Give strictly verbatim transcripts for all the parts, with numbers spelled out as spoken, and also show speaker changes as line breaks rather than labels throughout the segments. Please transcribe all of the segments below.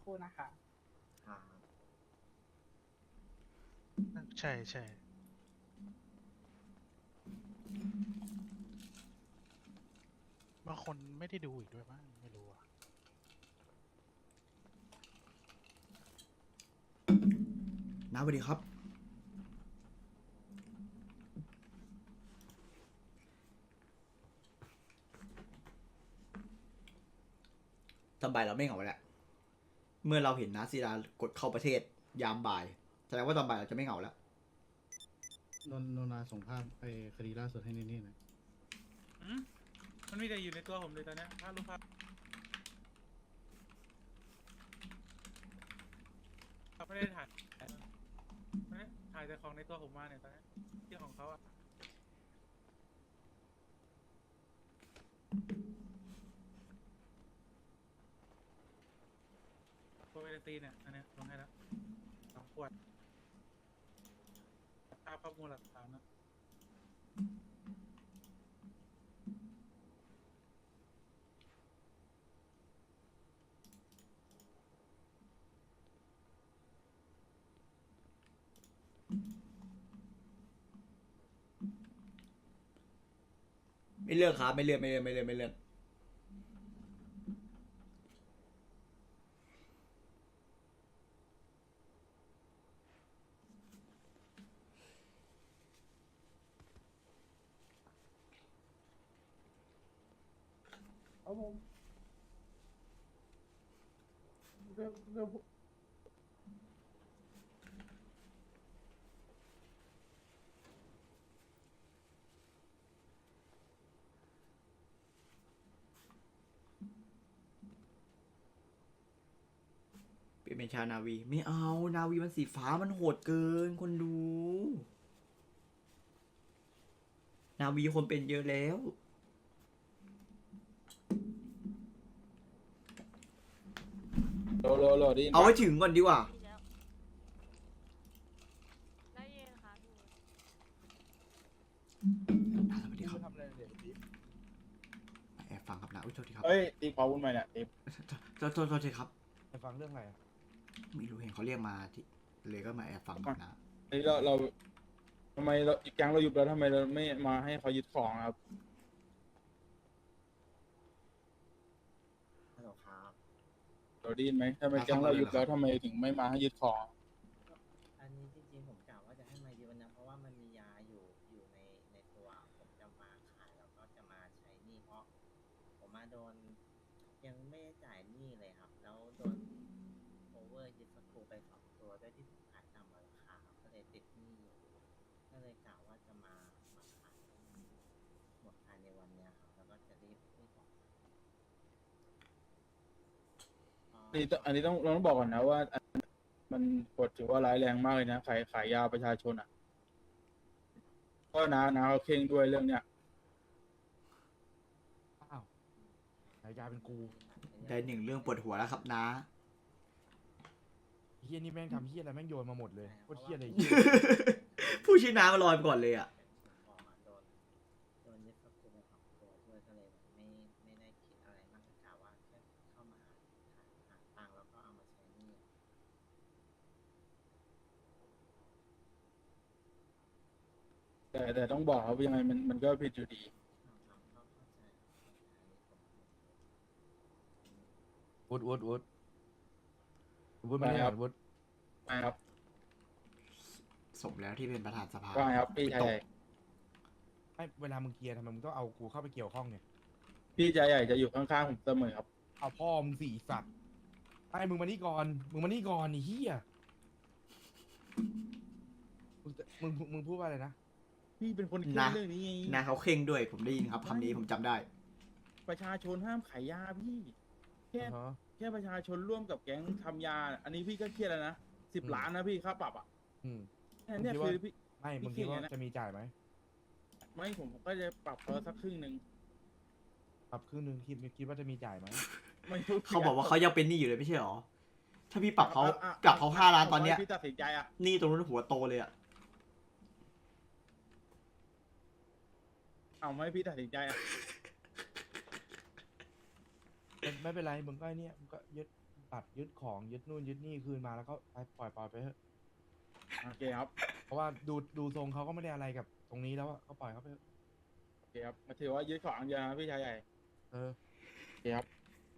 รู่นะคะ
ครับ
ใช่ใช่บางคนไม่ได้ดูอีกด้วยมั้งไม่รู้อ่ะ
น้าสวัสดีครับตอนบ่ายเราไม่เหงาแล้วเมื่อเราเห็นนาซีดากดเข้าประเทศยามบ่ายแสดงว่าตอนบ่ายเราจะไม่เหงาแล้ว
นนนนนาส่งภาพไปคดีล่าสุดให้นี่นี่หน่อย
อืมมันมีแต่อยู่ในตัวผมเลยตอนเนี้ยภาพรูปภาพไม่ได้ถ่ายไม่ได้ถ่ายแต่ของในตัวผมมาเนี่ยตอนเนี้ยที่ของเขาอะโปรเวลตีเนี่ยอันเนี้ยลงให้แล้วสองขวดภาพข้อมูลหลักฐานนะ
ไม่เลือกครับไม่เลือกไม่เลือกไม่เลือกไม่เลือก
เอาผมเรื่องเรื่อง
เปลี่ยนเป็นชานาวีไม่เอานาวีมันสีฟ้ามันโหดเกินคนดู นาวีคนเป็นเยอะแล้ว
โหลโหลโหลได้ยินปะ
เอาให้ถึงก่อนดีกว่า
ได้ยินค่ะพี่
นาสวัสดีครับ
ทำอะไรเนี่ยติ๊บ
แอบฟังครับนะอุ้ยโทษทีครับ
เฮ้ยติ๊บขอวุ้นใหม่เนี่ยติ๊บ
โทษโทษโทษทีครับ
ไปฟังเรื่องอะไรอ่ะ
ไม่รู้เห็นเขาเรียกมาที่เลยก็มาแอบฟังครับนะ
เฮ้ยเราเราทำไมเราอีกแก๊งเราหยุดแล้วทำไมเราไม่มาให้เขายึดของครับ
ฮัลโหลครับ
เราได้ยินไหมทำไมแก๊งเราหยุดแล้วทำไมถึงไม่มาให้ยึดของ
อันนี้จริงๆผมกะว่าจะให้มายืนนะเพราะว่ามันมียาอยู่อยู่ในในตัวผมจะมาขายแล้วก็จะมาใช้หนี้เพราะผมมาโดนยังไม่ได้จ่ายหนี้เลยครับ แล้วโดนโอเวอร์ยึดสกรูไปสองตัวด้วยที่ผมขายต่ำกว่าราคาครับก็เลยติดหนี้อยู่ก็เลยกะว่าจะมามาขายหมดภายในวันเนี้ยครับแล้วก็จะรีบรีบออก
อันนี้ต้องอันนี้ต้องเราต้องบอกก่อนนะว่าอันมันกฎถือว่าร้ายแรงมากเลยนะขายขายยาประชาชนอ่ะก็นะนะเขาเข่งด้วยเรื่องเนี้ย
อ้าวฉายาเป็นกู
ได้หนึ่งเรื่องปวดหัวแล้วครับนะ
เฮียนี่แม่งทำเฮียอะไรแม่งโยนมาหมดเลยโคตรเฮียเลย
ผู้ชื่อน้ามาลอยไปก่อนเลยอ่ะ
ออกมาโดนโดนยึดทรัพย์สินไปสองตัวด้วยก็เลยแบบไม่ไม่ได้คิดอะไรมากก็กะว่าแค่เข้ามาหาหาตังค์แล้วก็เอามาใช้หนี้
แต่แต่ต้องบอกครับว่ายังไงมันมันก็ผิดอยู่ดี
ครับก็เข้าใจเข้าใจอันนี้ผมผม
วุฒวุฒวุฒวุฒไม่ได้
ไปครับ
วุฒ
ใช่ครับ
สมแล้วที่เป็นประธานสภา
ก็ครับพี่ชายใหญ่
ไอ้เวลามึงเกียร์ทำไมมึงต้องเอากูเข้าไปเกี่ยวข้องเนี่ย
พี่ชายใหญ่จะอยู่ข้างๆผมเสมอครับ
เอาพ่อมึงสี่สัตว์ไอ้มึงมานี่ก่อนมึงมานี่ก่อนไอ้เฮียมึงจะมึงมึงพูดว่าอะไรนะ
พี่เป็นคนคิด
นะ
เรื่องนี้ไง
นาเขาเข่งด้วยผมได้ยินครับคำนี้ผมจำได้
ประชาชนห้ามขายยาพี่ แค่
อ่าฮะ
แค่ประชาชนร่วมกับแก๊งทำยา อันนี้พี่ก็เครียดแล้วนะสิบ
อืม
ล้านนะพี่ค่าปรับอ่ะ
อืม
แค่เนี้ย
ผมคิดว่า
คือพี่
ไม่มึง
พี่
คิดว่า
เขียนไงนะ
จะมีจ่ายไหม
ไม่ผมก็จะปรับเขาสักครึ่งหนึ่ง
ปรับครึ่งหนึงคิดคิดว่าจะมีจ่ายไหม
ไม่รู้
เขาบอกว่าเขายังเป็นหนี้อยู่เลยไม่ใช่หรอ ถ้าพี่ปรับเขา
อ่ะอ่ะ
ปรับเขาห้าล้านตอนเนี้ย
พี่ตัดสินใจอ่ะ
หนี้ตรงนู้นหัวโตเลยอ่ะ
เอาไม่พี่ตัดสินใจอ่ะ
ไม่ไม่เป็นไรมึงก็ไอ้เนี่ยมึงก็ยึดตัดยึดของยึดนู่นยึดนี่คืนมาแล้วก็ไปปล่อยปล่อยไปเถอะ
โอเคครับ
เพราะว่าดูดูทรงเขาก็ไม่ได้อะไรกับตรงนี้แล้วอะก็ปล่อยเขาไปเถอะ
โอเคครับมาถือว่ายึดของอย่างเดียวนะพี่ชายใหญ่
เออ
โอเคครับ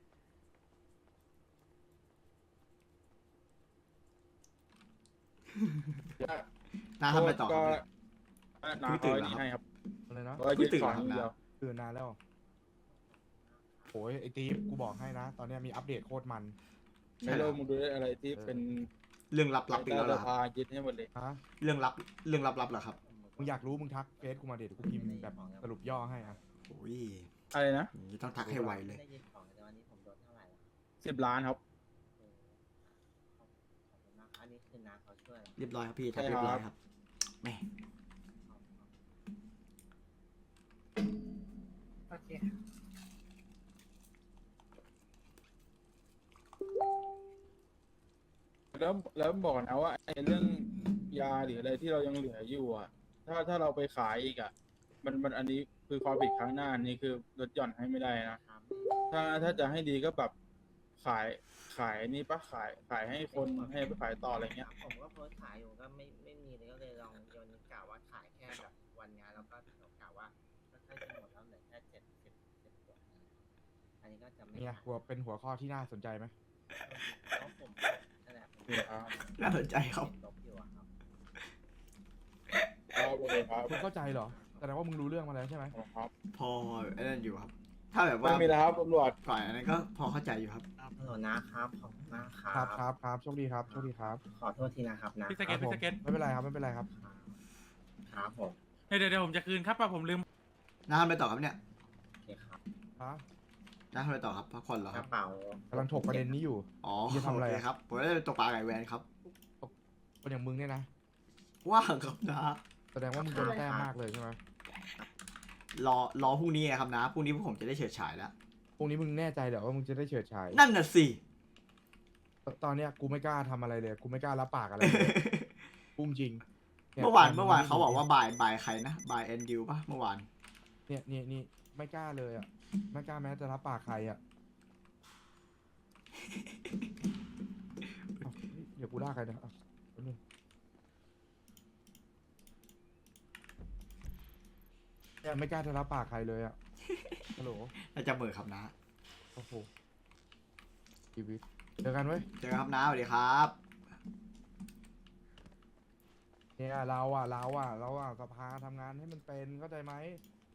น้าทำไปต่อค
ก็
รับเนี่ย
น้า
เพิ่งตื่
เอา
น
ไอ้
เหรอครับ
นี่ให้ครับ
อะไรนะ
ก็ยึดของอย่างเดียว
ตื่นนานแล้วโอ้ยไอตีฟกูบอกให้นะ ตอนเนี้ยมีอัปเดตโคตรมัน
ใช่
ไม่
เหร
รู้
อ
มึงดูได้อะไรที่เป็น
เรื่องลับๆอีกแล้วเหรอครับ
พายึดให้หมดเลย
ฮะ
เรื่องลับเรื่องลับๆเหรอครับ
มึงอยากรู้มึงทักเฟซกูมาเดี๋ยวกูพิมพ์แบบสรุปย่อให้อะ
โอ้ย
อะไรนะ
อย่างนี้ต้องทักให้ไวเลย
ได้ยินของแต่วันนี้ผมโดนเท่าไหร่แล้ว
สิบล้านครับ
โอ้ขอบคุณมากอันนี้คือน้าเขาช่วยเหรอ
เรียบร้อยครับพี่ทัก
ใช่
เรียบร้อย
ครับ
ครับแหม่
โอเค
แล้วแล้วบอกนะว่าไอ้เรื่องยาหรืออะไรที่เรายังเหลืออยู่อ่ะ ถ้าถ้าเราไปขายอีกอ่ะ มันมันอันนี้คือความผิดครั้งหน้านี่คือลดหย่อนให้ไม่ได้นะ
ครับ
ถ้าถ้าจะให้ดีก็แบบขายขายนี่ปะขายขายให้คนให้ไปขายต่ออะไรเงี้ย
ผมก็โพสต์ขายอยู่ก็ไม่ไม่มีเลยก็เลยลองโยนกะว่าขายแค่แบบวันงานแล้วก็กะว่าก็ใกล้จะหมดแล้วเหลือแค่เจ็ดสิบสิบขวดอันนี้ก็จะไม่
เนี่ยหัวเป็นหัวข้อที่น่าสนใจไหม
เพราะผมนั่นแหละผม
ครับ
น่าสนใจครับ
ลบอยู่อะครับ
ครับโอเคครับ
คุณเข้าใจเหรอแสดงว่ามึงรู้เรื่องมาแล้วใช่ไหม
ครับ
พอไอ้นั่นอยู่ครับ ถ้าแบบว่า
ไม่มีแล้วครับตำรวจ
ก่อนอันนั้นก็พอเข้าใจอยู่ครับ
ฮัลโหลนะครับขอบคุณมากครั
ครับครับครับโชคดีครับโชคดีครับ
ขอโทษทีนะครับนะ
พี่ส
ค
เก็
รั
ต
บผ
พี่
ม
สเก็ต
ไม่เป็นไรครับไม่เป็นไรครับ
ครับผม
เดี๋ยวเดี๋ยวเดี๋ยวผมจะคืนครับป่ะผมลืม
น้าทำอะไรต่อครับเนี่ย
โอเคครับ
ฮะ
น้าทำอะไรต่อครับพักผ่อนเหรอก ครั
ระ
บ
เป๋าก
ำลังถกประเด็นนี้อยู่
อ๋อ
จะทำอะไร
โอ
อะ
เคครับผมจะไปตกปลาไก่แวนครับ
คนอย่างมึงเนี่ยนะ
ว่างครับนะ
แสดงว่ามึงโดนแต้มมากเลยใช่ไหม
รอรอพรุ่งนี้ครับนะพรุ่งนี้พวกผมจะได้เฉิดฉายแล้ว
พรุ่งนี้มึงแน่ใจเหรอว่ามึงจะได้เฉิดฉาย
นั่นน่ะสิ
ตอนเนี้ยกูไม่กล้าทำอะไรเลย กูไม่กล้ารับปากอะไรเลย พุ่งจริงย
เมื่อวานเมื่อวานเขาบอกว่าบายบายใครนะบายแอนดิวปะเมื่อวาน
เนี่ยเนี่ยนี่ไม่กล้าเลยอ่ะ ไม่กล้าแม้จะรับปากใครอ่ะเอ้าเดี๋ยวกูด่าใครนะอ่ะแป๊บนึงเนี่ยไม่กล้าจะรับปากใครเลยอ่ะ ฮัลโหล
น่าจะเหมือครับนะ
โอ้โหชีวิตเจอกันเว้ย
เจอกันครับนะสวัสดีครับ
เนี่ยเราอ่ะเราอ่ะเราอ่ะสภาทำงานให้มันเป็นเข้าใจไหม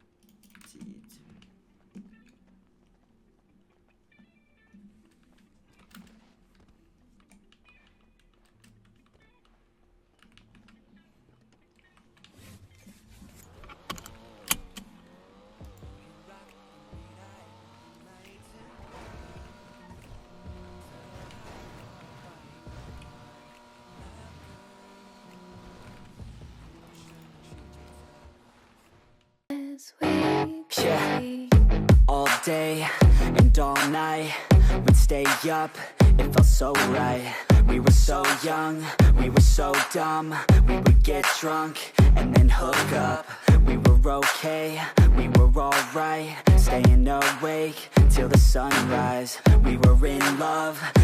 Yeah, all day and all night, we'd stay up, it felt so right. We were so young, we were so dumb, we would get drunk and then hook up. We were okay, we were alright, staying awake till the sunrise. We were in love,